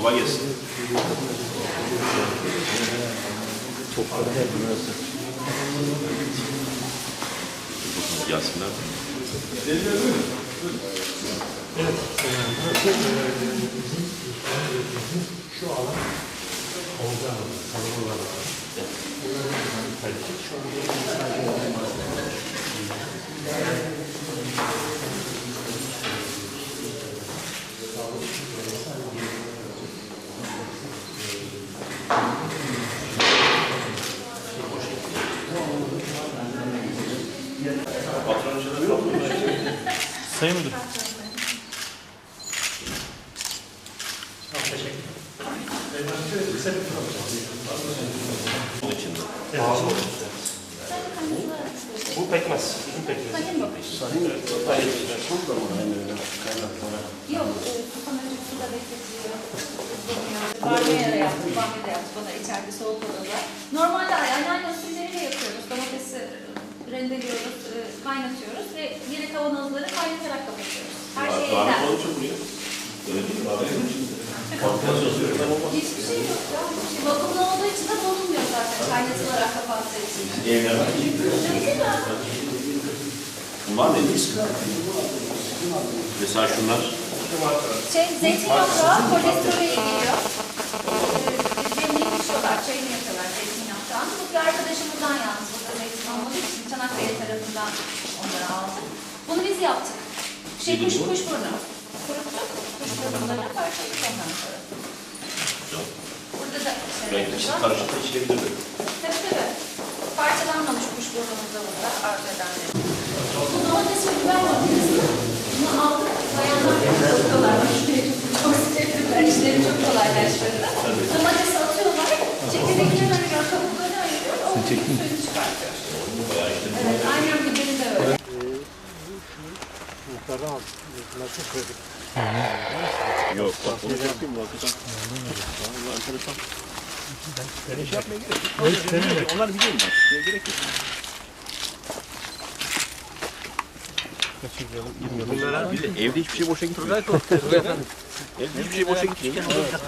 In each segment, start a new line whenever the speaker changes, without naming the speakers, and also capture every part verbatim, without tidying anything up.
Kolay gelsin.
Topları hep burası.
Yasinler.
Evet. Şu alan Olga Hanım, Sarıboğlar var. Şu
Sayın Müdür.
Onun içinde.
Bu pekmez. Bizim pekmez.
Sayın mı? Yok, kafam önce suda bekletiliyor. Bamya yaptık, bamya da yaptık. Bana içeride soğuk odada. Normalde aynen usulleriyle yapıyoruz. Domatesi rendeliyoruz, kaynatıyoruz ve yine kavanozları kaynatarak kapatıyoruz. Her şey
Daha
evden.
ne olacak buraya? Öyle değil mi? Daha ne olacak?
Hiçbir şey yok ya. Hiçbir şey. Vakumlu olduğu için de bulunmuyor zaten kaynatılarak kapattığı için.
Evler var.
Değil mi?
Bunlar ne? Mesela şunlar.
Şey, zeytin yaprağı kolesterole iyi geliyor. Demliği pişiyorlar, çayını yapıyorlar zeytin yaprağını. Bu bir arkadaşımızdan yalnız burada zeytin olmadığı için Çanakkale tarafından onları aldık. Bunu biz yaptık. Şey kuş kuşburnu. Kuruttuk. Kuşburnunları parçaladık ondan sonra. Burada da
Renkli
şeylerimiz var.
karışık da içilebilir.
Tabii tabii. Parçalanmamış kuşburnumuz da burada arzu edenler. Bu domates ve biber makinesi. Bunu aldık. Bayanlar yapıyorlar. Çok sevdiler. İşleri çok kolaylaştırdı. Domatesi atıyorlar. Çekirdeklerini ayırıyor. Kabuklarını ayırıyor. O suyunu çıkartıyor. Evet, aynen biberi de öyle.
muhtardan aldık. Bunlar çok kritik.
Yok bak onu yapayım mı? Hakikaten. Vallahi enteresan. Ben şey yapmaya gerek yok. Onlar biliyorum ben. Gerek yok. Bunlara bir de evde hiçbir şey boşa gitmiyor. Evde hiçbir şey boşa gitmiyor.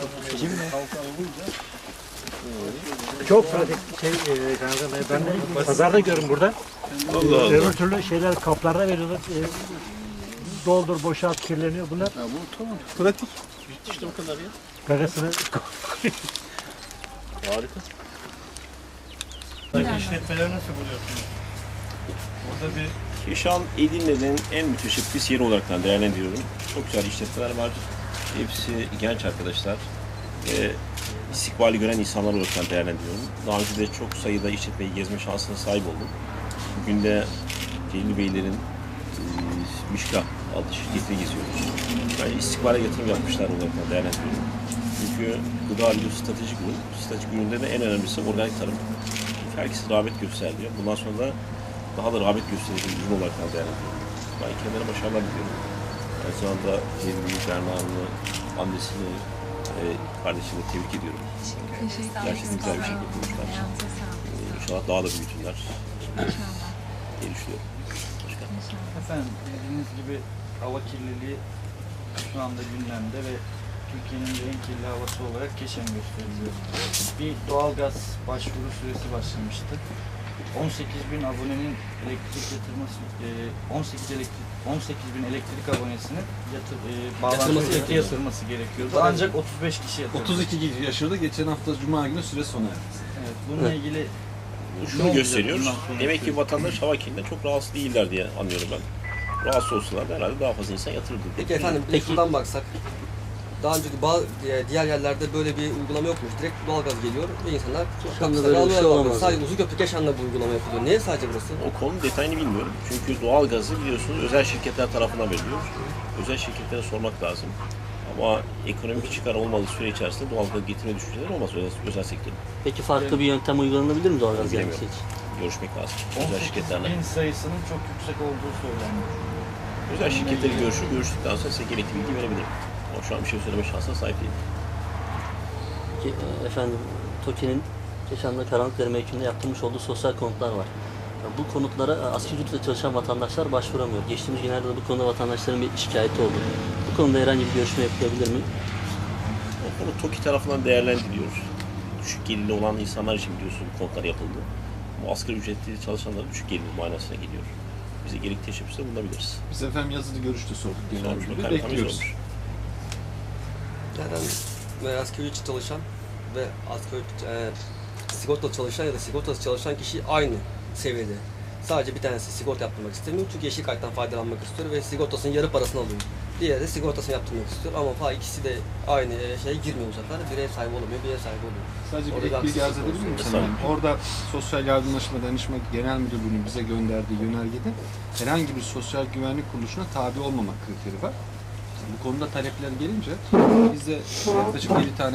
Çok pratik şey, e, kanka, ben de pazarda görüyorum burada.
Allah Allah.
Öbür türlü şeyler kaplarda veriyorlar. E, doldur, boşalt, kirleniyor bunlar.
Ya bu tamam. Pratik. İşte o kadar ya.
Gagasını
Harika.
İşletmeleri nasıl buluyorsunuz? Burada bir
Keşan Edirne'nin en müteşebbis yeri olarak değerlendiriyorum. Çok güzel işletmeler var. Hepsi genç arkadaşlar. Ve istikbali gören insanlar olarak değerlendiriyorum. Daha önce de çok sayıda işletmeyi gezme şansına sahip oldum. Bugün de Celil Beylerin e, Mişka adlı şirketini geziyoruz. Yani istikbale yatırım yapmışlar olarak değerlendiriyorum. Çünkü gıda ürünü stratejik ürün. Stratejik üründe de en önemlisi organik tarım. Herkes rağbet gösteriyor. Bundan sonra da daha da rağbet gösterici ürün olarak değerlendiriyorum. Ben kendilerine başarılar diliyorum. Aynı zamanda Celil'i, Berna'nı, annesini, e, kardeşini tebrik ediyorum. Gerçekten güzel bir şey yapmışlar. İnşallah daha da büyütünler. diye düşünüyorum. Başkan.
Efendim bildiğiniz gibi hava kirliliği şu anda gündemde ve Türkiye'nin de en kirli havası olarak Keşan gösteriliyor. Bir doğalgaz başvuru süresi başlamıştı. on sekiz bin abonenin elektrik yatırması, on sekiz elektrik on sekiz bin elektrik abonesinin yatır, e, bağlanması yatırması, yatırması gerekiyordu. Ancak otuz beş kişi yatırdı.
otuz iki kişi yaşadı. Geçen hafta Cuma günü süre sona erdi.
Evet, bununla ilgili
Şunu gösteriyor. Demek ki vatandaş hava kirliliğinden çok rahatsız değiller diye anlıyorum ben. Rahatsız olsalar da herhalde daha fazla insan yatırırdı.
Peki efendim, bir de şuradan baksak. Daha önceki bazı diğer yerlerde böyle bir uygulama yokmuş. Direkt doğalgaz geliyor ve insanlar kapısları almaya sadece Uzunköprü Keşan'da bu uygulama yapılıyor. Niye sadece burası?
O konunun detayını bilmiyorum. Çünkü doğalgazı biliyorsunuz özel şirketler tarafından veriliyor. Özel şirketlere sormak lazım. Ama ekonomik çıkar olmadığı süre içerisinde doğalgaz getirme düşünceleri olmaz özel, özel sektörün.
Peki farklı bir yöntem uygulanabilir mi doğalgaz gelmesi için?
Görüşmek lazım. Özel şirketlerle.
bin sayısının çok yüksek olduğu söyleniyor.
Özel şirketleri görüşür, görüştükten sonra size gerekli bilgi verebilirim. Ama şu an bir şey söyleme şansına sahip değilim.
Peki efendim, TOKİ'nin Keşan'da Karanlıkdere mevkiinde yaptırmış olduğu sosyal konutlar var. Bu konutlara asgari ücretle çalışan vatandaşlar başvuramıyor. Geçtiğimiz günlerde de bu konuda vatandaşların bir şikayeti oldu. Bu konuda herhangi bir görüşme yapılabilir mi?
O konu TOKİ tarafından değerlendiriliyor. Düşük gelirli olan insanlar için biliyorsun bu konular yapıldı. Bu asgari ücretli çalışanların düşük gelirli manasına geliyor. Bize gerekli teşebbüste bulunabiliriz.
Biz efendim yazılı görüşte sorduk genel
Sormuş
müdürü.
bakanım,
Bekliyoruz.
sormuş.
Zaten ve asgari ücret çalışan ve asgari e, sigortalı çalışan ya da sigortasız çalışan kişi aynı seviyede. Sadece bir tanesi sigorta yaptırmak istemiyor çünkü yeşil karttan faydalanmak istiyor ve sigortasının yarı parasını alıyor. Diğeri de sigortasını yaptırmak istiyor ama fa ikisi de aynı şeye girmiyor bu sefer. Bir ev sahibi olamıyor, bir ev sahibi oluyor.
Sadece
Orada
bir ek bilgi arz edebilir miyim sana? Orada Sosyal Yardımlaşma Danışma Genel Müdürlüğü'nün bize gönderdiği yönergede herhangi bir sosyal güvenlik kuruluşuna tabi olmamak kriteri var. Bu konuda talepler gelince biz de yaklaşık yedi tane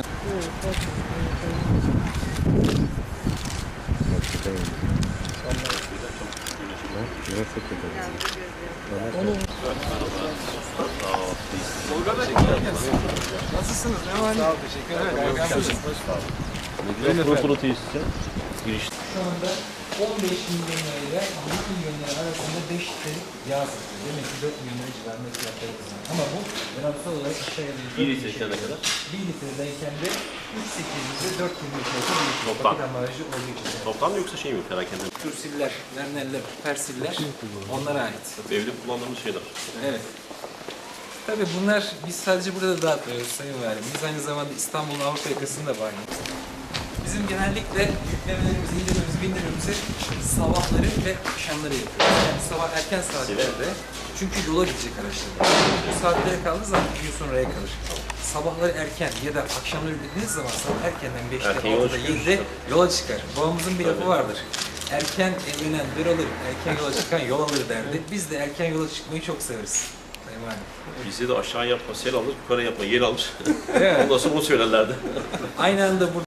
Nasılsınız? Ne var? Sağ ol, teşekkür ederim.
Protokol tesisi giriş.
Şu anda on beş milyon lira ile yirmi milyon lira arasında beş litrelik yağ satıyor. Demek ki dört milyon lira civarında fiyatları kazanıyor. Ama bu rakamsal olarak aşağıya doğru
bir litre ne kadar?
bir litredeyken de üç bin sekiz yüz ile dört bin litre değişiyor.
Toplam.
Paket ambalajı olduğu için.
Toplam mı yoksa şey mi perakende?
Kürsiller, verneller, persiller onlara ait.
Evde kullandığımız şeyler.
Evet. Tabii bunlar biz sadece burada da dağıtmıyoruz Sayın Valim. Biz aynı zamanda İstanbul'un Avrupa yakasında da var. Bizim genellikle yüklemelerimizi, indirmemizi, bindirmemizi sabahları ve akşamları yapıyoruz. Yani sabah erken saatlerde, çünkü yola gidecek araçlar. Bu saatlere kaldığı zaman bir gün sonraya kalır. Sabahları erken ya da akşamları bildiğiniz zaman sabah erkenden beşte,
Erken yola
altıda,
çıkıyoruz
yedide
tabii.
yola çıkar. Babamızın bir lafı vardır. Erken evlenen bir alır, erken yola çıkan yol alır derdi. Biz de erken yola çıkmayı çok severiz. Sayın Valim.
Bizde de aşağı yapma sel alır, yukarı yapma yer alır.
Evet.
Ondan sonra onu söylerlerdi.
Aynı anda burada